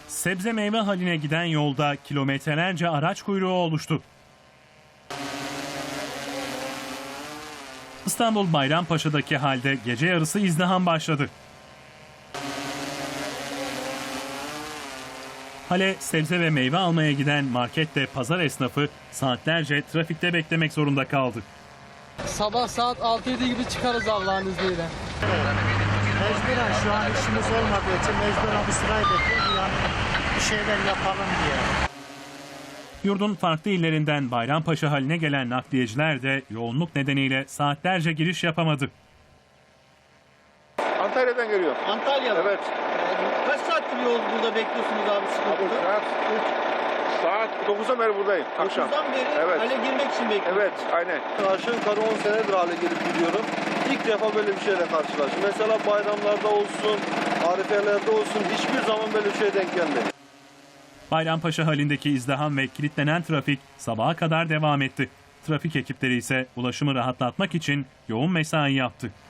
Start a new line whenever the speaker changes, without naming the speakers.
Sebze meyve haline giden yolda kilometrelerce araç kuyruğu oluştu. İstanbul Bayrampaşa'daki halde gece yarısı izdiham başladı. Hale sebze ve meyve almaya giden markette pazar esnafı saatlerce trafikte beklemek zorunda kaldı.
Sabah saat 6-7 gibi çıkarız Allah'ın izniyle.
Mecburen şu an işimiz olmadığı için mecburen bu sırayı bekliyoruz. Yani bir şeyler yapalım diye.
Yurdun farklı illerinden Bayrampaşa haline gelen nakliyeciler de yoğunluk nedeniyle saatlerce giriş yapamadı.
Antalya'dan geliyor.
Antalya'da.
Evet.
Kaç saattir yol burada bekliyorsunuz abi sıkıntıda?
Saat 9'dan beri buradayım. Akşam.
9'dan beri
Evet.
hale girmek için bekliyorsunuz.
Evet, aynen.
Aşağı yukarı 10 senedir hale gelip gidiyorum. İlk defa böyle bir şeyle karşılaştım. Mesela bayramlarda olsun, arifelerde olsun hiçbir zaman böyle bir şeye denk gelmedi.
Bayrampaşa halindeki izdiham ve kilitlenen trafik sabaha kadar devam etti. Trafik ekipleri ise ulaşımı rahatlatmak için yoğun mesai yaptı.